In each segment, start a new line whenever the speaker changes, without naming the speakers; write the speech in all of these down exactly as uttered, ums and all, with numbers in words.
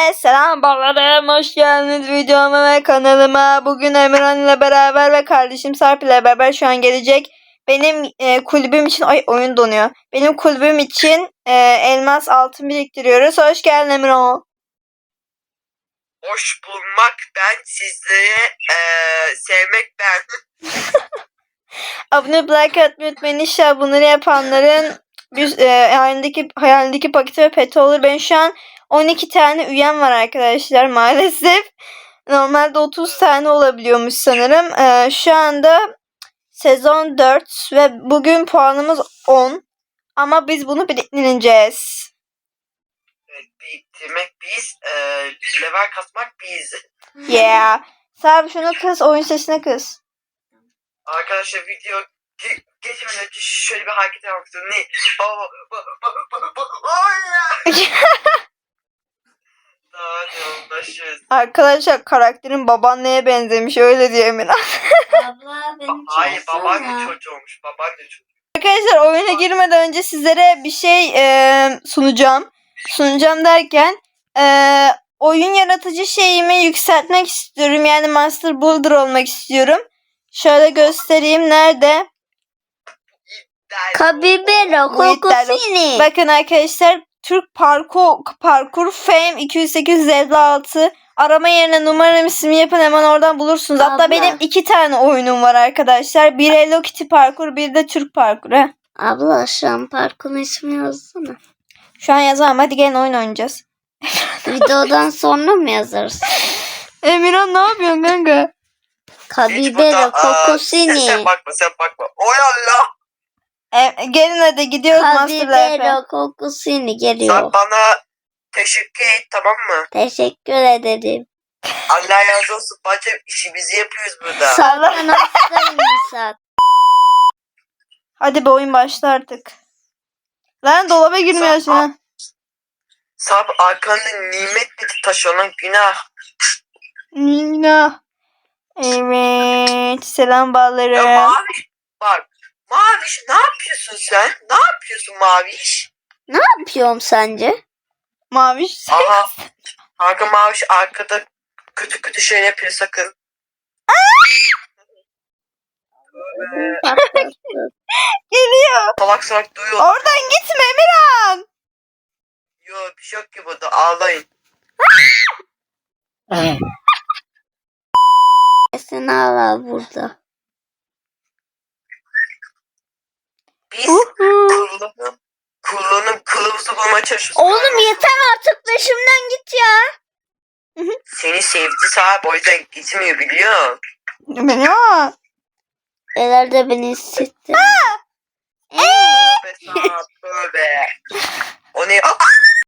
Hepinize selam ballarım. Hoş geldiniz videoma ve kanalıma. Bugün Emirhan ile beraber ve kardeşim Sarp ile beraber şu an gelecek. Benim e, kulübüm için ay oyun donuyor. Benim kulübüm için e, elmas altın biriktiriyoruz. Hoş geldin Emirhan.
Hoş bulmak ben, sizlere eee, sevmek ben.
Abone olup like atmayı unutmayın. İnşallah bunları yapanların bir, e, hayalindeki, hayalindeki paketi ve peti olur. Ben şu an on iki tane üyem var arkadaşlar maalesef. Normalde otuz tane olabiliyormuş sanırım. Ee, şu anda sezon dört ve bugün puanımız on. Ama biz bunu biriktireceğiz.
Evet, biriktirmek biz, eee level kasmak biz.
Yeah. Sabi şunu kız, oyun sesine kız.
Arkadaşlar video ge- geçmeden önce şöyle bir hareket yapmak istiyorum. Ne? Aa, ba- ba- ba- ba- Ay ya! Daha ne uğraşırız.
Arkadaşlar karakterin babaanneye benzemiş öyle diyor Emirhan.
Abla beni
Hayır, babaanne
çağırsana.
çocuğu olmuş. Babaanne çocuğu.
Arkadaşlar oyuna girmeden önce sizlere bir şey e, sunacağım. Sunacağım derken e, oyun yaratıcı şeyimi yükseltmek istiyorum. Yani Master Builder olmak istiyorum. Şöyle göstereyim. Nerede?
Kabibero
Bu iddialı.
kokusini.
Bakın arkadaşlar Türk Parkur Parkur Fame iki yüz sekiz yüz elli altı arama yerine numaram ismi yapın hemen oradan bulursunuz. Hatta
Abla.
benim iki tane oyunum var arkadaşlar. Bir Hello Kitty Parkur, bir de Türk Parkur. He.
Abla şu an parkın ismi yazsana.
Şu an yazamam. Hadi gelin oyun oynayacağız.
Videodan sonra mı yazarız?
Emirhan ne yapıyorsun kanka?
Hiç burada,
Kabibero
aa, sen,
kokusini.
sen bakma, sen bakma. Oy Allah!
E, gelin hadi gidiyoruz Master Life'e.
Kabibero kokusini
Sen
geliyor.
bana teşekkür et, tamam mı?
Teşekkür ederim.
Allah razı olsun bacım, işimizi yapıyoruz burada.
Sarkan hastayım Misat.
Hadi bir oyun başla artık. Lan dolaba girmiyor
Sen-
şimdi.
Sab arkanda nimet taşınan günah.
Nina. Evet. Selam
Ya
ballarım.
Maviş bak. Maviş ne yapıyorsun sen? Ne yapıyorsun Maviş?
Ne yapıyorum sence?
Maviş.
Aha. Kanka Maviş arkada kötü kötü şey yapıyor sakın.
Geliyor.
Salak salak duyuyor.
Oradan gitme Emirhan.
Yok bir şey yok ki burada, ağlayın.
Sen hala burada.
Biz
Uhu.
kullanım kullanım kılavuzu bulmaya çalışıyoruz.
Oğlum yeter artık peşimden git ya.
Seni sevdi sahip, o yüzden gitmiyor biliyor.
Emirhan.
Ileride beni hissetti.
Tövbe sahip, tövbe. O ne? Aa!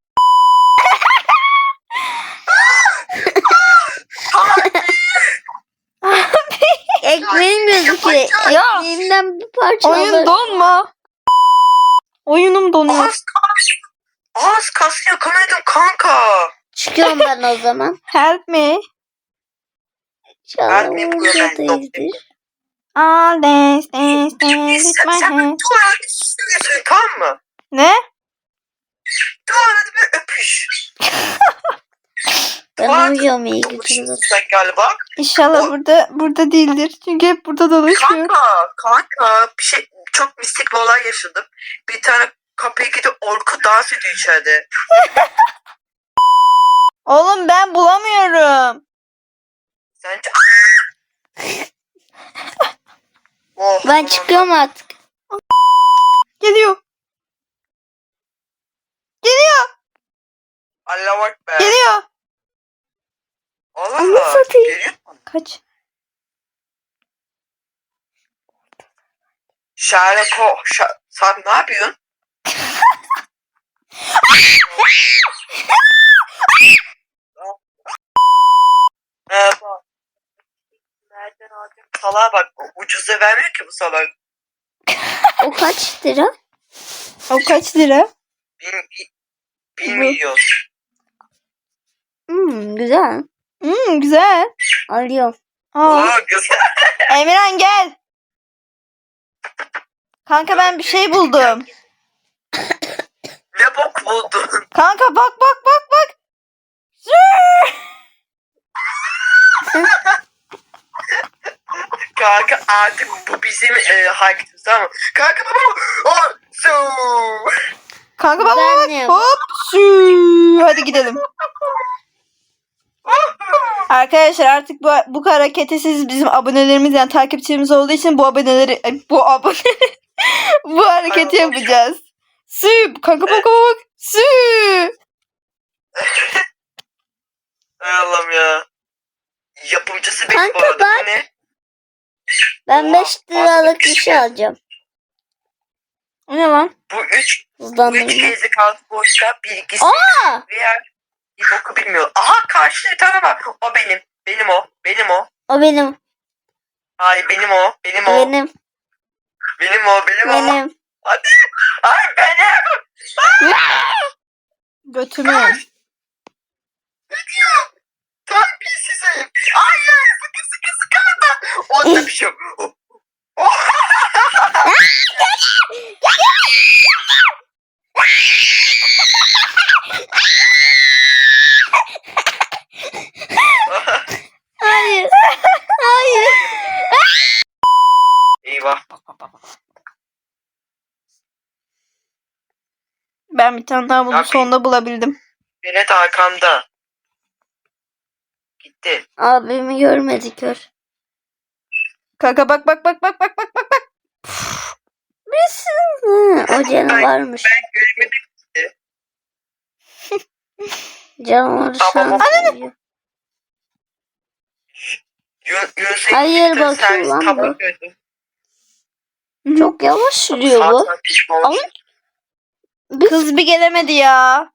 Ekmeğim gözüküyor.
Ya.
Ekmeğimden bir parça
Oyun
alır.
donma. Oyunum donuyor.
Az kas. Az kas yakaladım kanka.
Çıkıyorum ben o zaman.
Help me.
İnşallah
Ben mi
orada
yapıyorum?
değildir.
All dance dance dance with
Sen,
my
sen bir
hand.
tuvalete sürüyorsun, tamam mı?
Ne?
Tuvalete bir öpüş.
Ben
Tuvalete
uyuyorum iyi
öpüşürsün
geceler.
sen galiba.
İnşallah
O-
burada burada değildir. Çünkü hep burada dolaşıyor.
Kanka, kanka bir şey, çok mistik bir olay yaşadım. Bir tane kapıya gidip Orku dans ediyor içeride.
Oğlum ben bulamıyorum.
Sence... oh,
Ben
aman.
çıkıyorum artık.
Geliyor. Geliyor.
Allah'a bak be.
Geliyor.
Allah
Anı
Allah.
satayım.
Geliyor.
Kaç.
Sherlock Holmes. Şa- sen ne yapıyorsun? Ee, bak. Nereden alacağım? Salağa bak. o Ucuza vermiyor ki bu salak.
O kaç lira?
O kaç lira?
Bir, bir, bir
Bu.
milyon.
Hmm, güzel.
Hmm, güzel.
Alıyorum.
Aa,
Oo, güzel.
Emirhan gel. Kanka ben bir şey buldum.
Ne bok buldun?
Kanka bak bak bak bak. Zı!
Kanka artık bu bizim e, hareketimiz, tamam mı? Kanka baba. Oh, so.
Kanka bak
Ben
bak.
ne?
Hop. Sü. Hadi gidelim. Arkadaşlar artık bu bu hareketi siz bizim abonelerimiz yani takipçilerimiz olduğu için bu aboneleri ay, bu abone bu hareketi
Ay, Allah.
yapacağız. Sü. Kanka bak bak bak. Sü.
Hay Allah'ım ya. Yapımcısı benim
Kanka
bu arada.
bak.
Bu ne?
Ben
Oha,
beş liralık bir
fazla
şey alacağım.
O ne lan?
Bu üç, bu üç
Hızlandırma.
gezi kaldı boşta. Bilgisi
Aa!
veya bir boku bilmiyor. Aha karşıda bir tane var. O benim. Benim o. Benim o.
O benim.
Hayır benim o. Benim o.
Benim.
Benim o. Benim o.
Benim.
Hadi. Ay benim.
Götümü.
Terbiyesizim. Hayır. Sıkı sıkı sıkı da. Onda bir şey yok.
Hayır. Hayır.
Eyvah.
Ben bir tane daha bunu
Ya,
sonunda bulabildim.
Benet arkamda. Gitti.
Abimi görmedi kör.
Kanka bak bak bak bak bak bak bak bak.
Hı, o canavarmış.
Ben göremedim.
Canavar şu
Tamam.
an görüyor.
Yun, Yunus'un
Hayır,
gittiği
bakıyor
servis
lan
tabak
bu.
gördüm.
Çok yavaş sürüyor bu.
Zaten pişman olmuş.
Ama- Biz...
Kız bir gelemedi ya.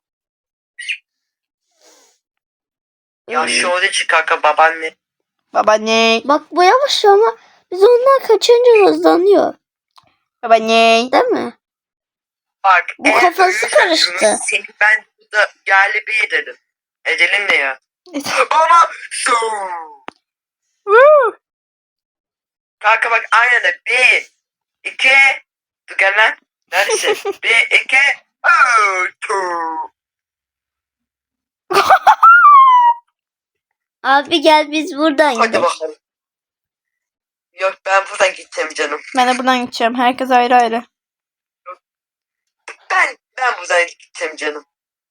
Ya şu orada çık kanka babaanne.
Babaanne.
Bak bu yavaş ama biz ondan kaçınca hızlanıyor.
Babaanne.
Değil mi?
Bak.
Bu
eğer
kafası
ölürsen
karıştı.
Yunus, seni ben burada yerli bir ederim. Edelim ne ya? Ama su. Kanka bak aynen de. Bir. iki. Dur gel lan. Neredesin? Bir. iki. Oh, two.
Abi gel biz buradan
Hadi
gidelim.
bakalım. Yok ben buradan gideceğim canım.
Ben de buradan gideceğim. Herkes ayrı ayrı.
Ben ben buradan gideceğim canım.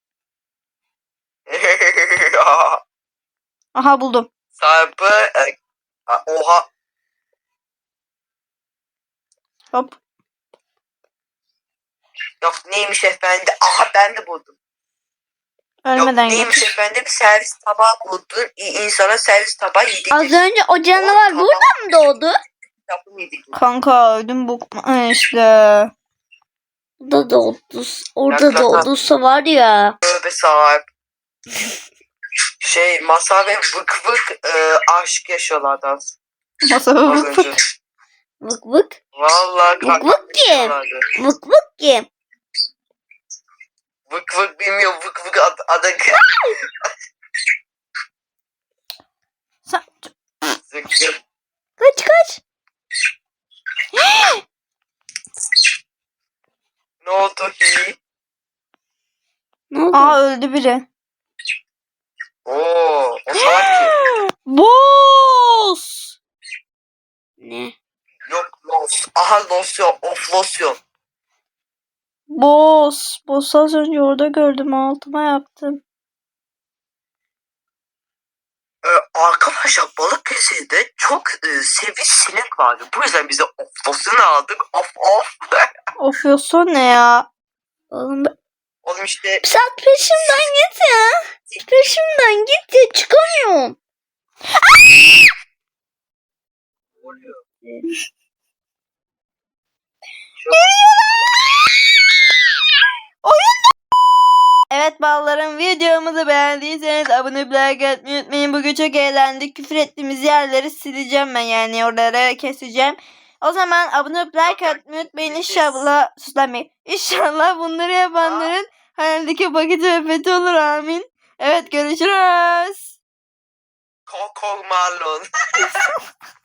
Aha buldum.
Sahibi e, a- oha
Hop.
yok neymiş efendi, aha ben de buldum. Yok
Ölmeden
neymiş
getir.
efendim, servis tabağı buldun, İ- insana servis tabağı yedik.
Az önce o canavar burada mı doğdu?
Yapım yedik.
Kanka ödüm bu Ha, işte.
Burada doğdu. Orada
Yak, yak, yak.
doğduysa var ya.
Tövbe sahip. Şey masa ve vık vık e, aşk yaşıyorlardı az
Masa
az önce.
Vık vık.
Vallahi
Vık
kanka
vık kim?
yaşıyorlardı.
Vık vık kim?
Vık vık bilmiyorum, vık vık ad, adı
Sen...
Zıkkı.
Kaç kaç.
Ne oldu hi?
Ne oldu?
Aa öldü biri.
Oo, o salak kim?
Boss.
Ne?
Yok los. Aha losyon. Of losyon.
Boss. Boss az önce orada gördüm. Altıma yaptım.
Ee, arkadaşlar Balıkesir'de çok e, seviş sinek vardı. Bu yüzden bize of losyonu aldık. Of of.
Of yosun ne ya?
Oğlum ben-
Oğlum işte
sen peşimden git ya. Peşimden git ya, çıkamıyorum.
oluyor.
Evet ballarım, videomuzu beğendiyseniz abone olup like atmayı unutmayın. Bugün çok eğlendik. Küfür ettiğimiz yerleri sileceğim ben, yani oraları keseceğim. O zaman abone olup like atmayı unutmayın. İnşallah suslanmayın. İnşallah bunları yapanların hayaldeki paketi ve fethi olur, amin. Evet, görüşürüz.
Kokol marlon.